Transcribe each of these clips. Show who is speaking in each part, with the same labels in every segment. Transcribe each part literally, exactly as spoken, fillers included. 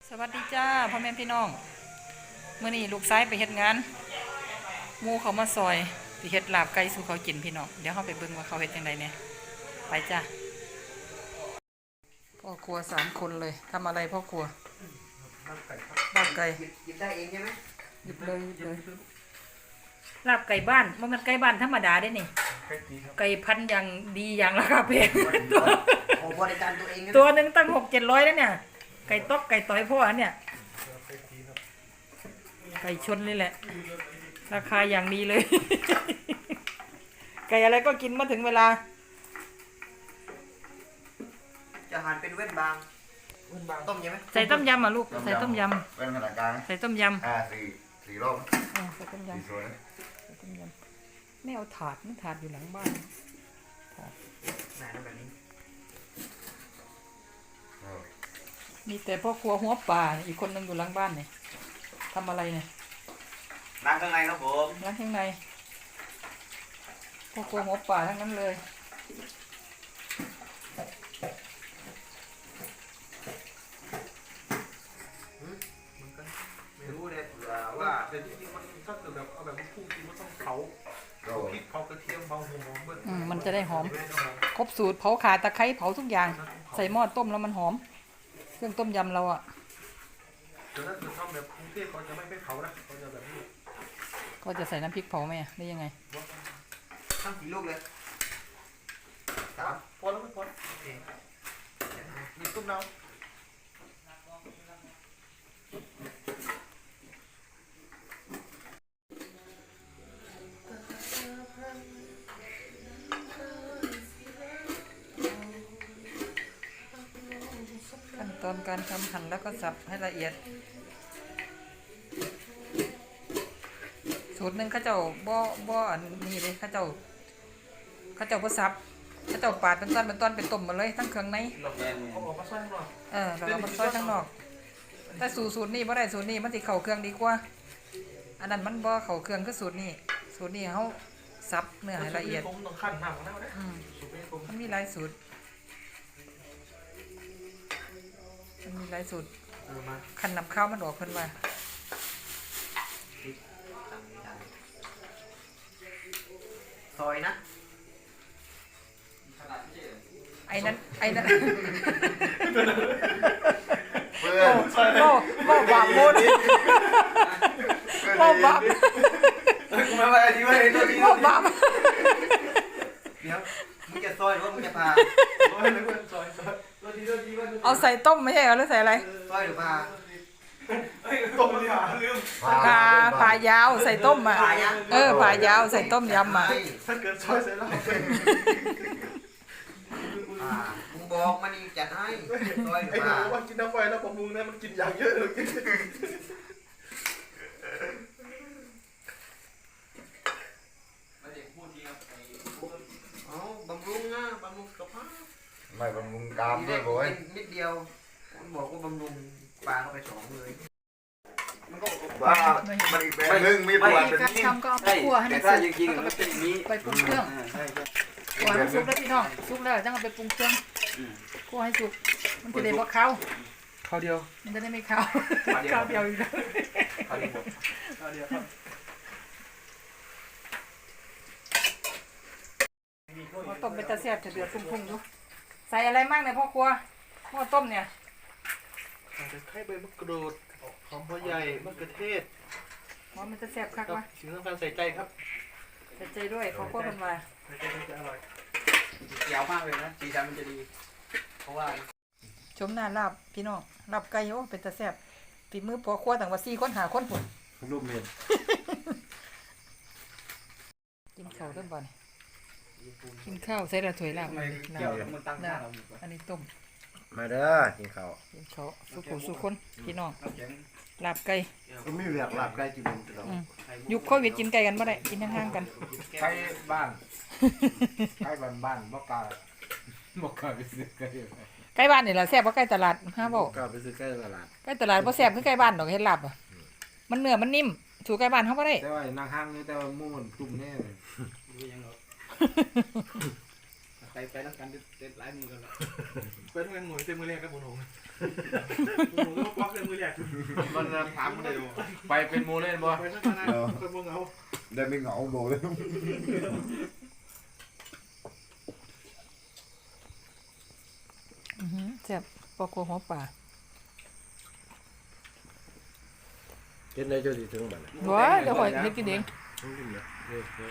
Speaker 1: สวัสดีจ้าพ่อแม่พี่น้องเมื่อนี้ลูกซ้ายไปเฮ็ดงานหมูเขามาซอยสิเฮ็ดลาบไก่สู่เขากินพี่น้องเดี๋ยวเขาไปเบิ่งว่าเขาเฮ็ดยังไงเนี่ยไปจ้าพ่อครัวสามคนเลยทำอะไรพ่อครัวลาบไก่
Speaker 2: หยิบได้เองใช่ไหม
Speaker 1: หยิบเลยหยิบเลยลาบไก่บ้านมันเป็นไก่บ้านธรรมดาได้นี่ไก่พันอย่างดีอย่างราคาแพงตัว
Speaker 2: บริการตัวเอง
Speaker 1: ตัวหนึ่งตั้งหกเจ็ดร้อยแล้วเนี่ยไก่ต๊อกไก่ต่อยพ่อเนี่ยไก่ชนนี่แหละราคาอย่างดีเลย ไก่อะไรก็กินมาถึงเวลา
Speaker 2: จะหั่นเป็นเว้นบางต้มยำไหม
Speaker 1: ใส่ต้มยำอ่ะลูกใส่ต้มย
Speaker 3: ำเป็นขนาดกลาง
Speaker 1: ำใส่ต้มยำ
Speaker 3: อ่าสี่สี่รอบ
Speaker 1: ใส่ต้มยำ
Speaker 3: สี่ส่วน
Speaker 1: ใส่ต้มยำไม่เอาถาดมันถาดอยู่หลังบ้านถาด
Speaker 2: แบบนี้
Speaker 1: มีแต่พ่อครัวหัวป่าอีกคนนึงอยู่หลังบ้านเนี่ยทำอะไรเนี่ย
Speaker 2: ล้างข้างในครับผม
Speaker 1: ล้างข้างในพ่อครัวหัวป่าทั้งนั้นเลย
Speaker 2: ไม่รู้เลยว่า
Speaker 4: แต่จริงๆมันถ้าเกิดแบบเอาแบบพุ่งจริงมันต้องเผาพริกเผากระเทียมเผาหัวหอมเบิ้ล
Speaker 1: มันจะได้หอมครบสูตรเผาข่าตะไคร้เผาทุกอย่างใส่หม้อต้มแล้วมันหอมเครื่องต้มยำเราอ่ะ
Speaker 4: แต่ถ้าเกิดทำแบบกรุงเทพเขาจะไม่ไม่เผานะเขาจะแบบนี้
Speaker 1: ก็จะใส่น้ำพริกเผาไหมได้ยังไง
Speaker 2: ทั้งสี่ลูกเลย
Speaker 4: สามพอแล้วไม่พอโอเคมีต้มน้ำ
Speaker 1: ขั้นตอนการทำหั่นแล้วก็สับให้ละเอียดสูตรหนึ่งข้าเจ้าบ่บ่อันนี้เลยข้าเจ้าข้าเจ้าบ่สับข้าเจ้าปาดเป็นต้นเป็นต้นเป็นต้มมาเลยทั้งเครื่องใน
Speaker 4: เขาบอกมาซอยข้างนอก
Speaker 1: เออแล้วก็มันซอยข้างนอกแต่สูตรสูตรนี้บ่ได้สูตรนี้มันสิเข้าเครื่องดีกว่าอันนั้นมันบ่เข้าเครื่องคือสูตรนี้สูตรนี้เขาสับเนื้อให้ละเอียด
Speaker 4: ผมต้องขั้นหนักนะวะเนี่ย
Speaker 1: มันมีหลายสูตรมันมีหลายสูตรขันนำข้าวมันออกเพิ่นว่า
Speaker 2: ซอยนะ
Speaker 1: ไอ้นั้นไอ้นั้น
Speaker 3: เพื่อน
Speaker 1: โอ้โอ้บาปโมดโอ้บาป
Speaker 2: มาไปที่ว่าไอ้ตัวนี้
Speaker 1: โอ้บาป
Speaker 2: เดี๋ยวมึงจะซอยหรือว่ามึงจะพา
Speaker 4: ซอยเลยเพื่อนซอยซอยตัวดีตัวดีว่า
Speaker 1: เอาใส่ต้มไม่ใช่เหรอหรือใส่อะไร
Speaker 2: ซอยหรือพา
Speaker 4: ต้มเลยอ่ะลืม
Speaker 1: ผ่าผ่ายาวใส่ต้มอ่ะเออผ่ายาวใส่ต้มยำอ่ะ
Speaker 4: ถ้าเกิดซอยใส่แล้ว
Speaker 2: มึงบอกมันนี่จัดให้ซอยหรือ
Speaker 4: ไอ้ห
Speaker 2: พา
Speaker 4: นูว่ากินน้ำไฟแล้วผมมึงนะมันกินอย่างเยอะเลย
Speaker 2: อ๋อบำรุงนะบำรุงสุขภาพ
Speaker 3: ไม่บำรุงกรามด้วยโว้ย
Speaker 2: นิดเดียวมันบอกว่าบำรุงปลาเข้าไปสองเลย
Speaker 3: มันก็ว่ามันอีกแบบนึงมีประวัติเป็น
Speaker 1: นี่ทำก็เอาไปคั่วให้มันสุกแล้วก็ไปไปปรุงเครื่องคั่วให้มันสุกแล้วพี่น้องสุกแล้วจังเอาไปปรุงเครื่องคั่วให้สุกมันจะได้บ่ขาว
Speaker 4: ข้าวเดียว
Speaker 1: มันจะได้ไม่ขาวขาวเดียวอีกแล้ว
Speaker 4: ข้าวเดียวข้าวเดียวครับ
Speaker 1: ต้มเป็นตะแซ่บจะเดือดพุ่งๆอยู่ใส่อะไรมั่งเนี่ยพ่อครัวพ่อต้มเนี่ย
Speaker 4: ใส่ไข่ใบมะกรูดหอมหัวใหญ่มะเขือเทศ
Speaker 1: ว่ามันจะแซ่บคักวะ
Speaker 4: สิ่งสำคัญใส่ใจครับ
Speaker 1: ใส่ใจด้วยพ่อครัวคนว่า
Speaker 4: ใส่ใจมันจะอร่อย
Speaker 2: เกี่ยวมากเลยนะสีสันมันจะดีเพราะว่า
Speaker 1: ชมหน้าลาบพี่น้องลาบไก่โอ้เป็นตะแซ่บฝีมือพ่อครัวต่างว่าสี่คนหาคนผล
Speaker 3: รูปเมียน
Speaker 1: กินข้าวต้นบ่อนกินข้าวใส่ละถ้วยลาบน้ำอันนี้ต้ม
Speaker 3: มาเด้อกินข้าว
Speaker 1: กินข้าวสุขุสุคนพี่น้องลาบไก่
Speaker 3: ก็ไม่เรียกลาบไก่กิน
Speaker 1: ยุคโควิดกินไก่กันบ่ได้กินห่างๆกัน
Speaker 3: ไก่บ้านไก่บ้านบ้านบ่กล้าบ่กล้าไปซื้อไก่
Speaker 1: ไก่บ้านนี่ล่ะแซ่บกว่าไก่ตลาดฮะบ่
Speaker 3: กล้าไปซื้อไก่ตลาด
Speaker 1: ไก่ตลาดบ่แซ่บคือไก่บ้านดอกเฮ็ดลาบอ่ะมันเนื้อมันนิ่มถูกไก่บ้านเฮาบ่ได้
Speaker 3: แต่ว่านางห้างนี่แต่ว่าหมู่มันกลุ่มแน่เลย
Speaker 4: ไปไปแล้วกันเด็ดหลายมือกันแล้วไปทำงานหน่วยเต็มมือแรกกับบุญหงบุญหงก็ควักเต็มมืออแรก
Speaker 3: มันถามเลยไปเป็นโมเล่นบ่
Speaker 4: ไปสักขนาดคนพวกเรา
Speaker 2: ได้ไม่เหงาโบเลย
Speaker 1: อือหือแซ่บปอกโกหัวป่า
Speaker 5: เฮ็ดได้เจ้าสิถึงบัดน่ะ
Speaker 1: ว้าเดี๋ยวข่อยเฮ็ดกินเอง
Speaker 5: ต้องกินเนี่ยเด้อเด้อ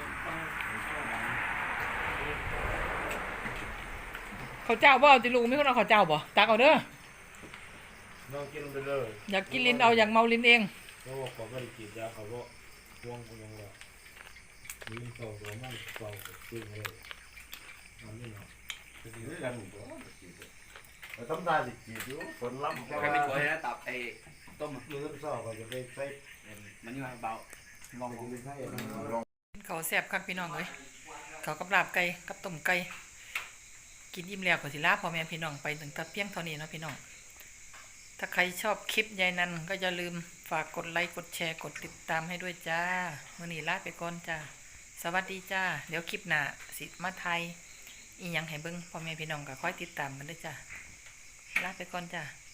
Speaker 1: ข้าวเจ้าบ่เอาติลูกมีคนเอาข้าวเจ้าบ่ตักเอาเด้อ
Speaker 5: น้องกินไปเลย
Speaker 1: อยากกินลิ้นเอาอยากเมาลิ้นเอง
Speaker 5: เพราะว่าเขาบ่ได้กินยาเขาบ่ห่วงคนยังว่ามีเก่าตัวมันเก่ากินเลยอันนี้เนาะ
Speaker 3: ทำได้สิจีบอยู่ฝนล้ำ
Speaker 2: ใครไม่ช่วยนะตับไอ้ต้ม
Speaker 5: มื้อเช้าก็จะไปใส่
Speaker 2: มันยังไงเบาลอง
Speaker 5: ไปใส่
Speaker 1: ข้าวแซ่บคักพี่น้องเอ้ยข้าวกับลาบไก่กับต้มไก่กินอิ่มแล้วก็สิลาพ่อแม่พี่น้องไปถึงแต่เพียงเท่านี้เนาะพี่น้องถ้าใครชอบคลิปยายนันก็อย่าลืมฝากกดไลค์กดแชร์กดติดตามให้ด้วยจ้ามื้อนี้ลาไปก่อนจ้าสวัสดีจ้าเดี๋ยวคลิปหน้าสิมาไทยอีหยังให้เบิ่งพ่อแม่พี่น้องก็คอยติดตามกันด้วยจ้าลาไปก่อนจ้า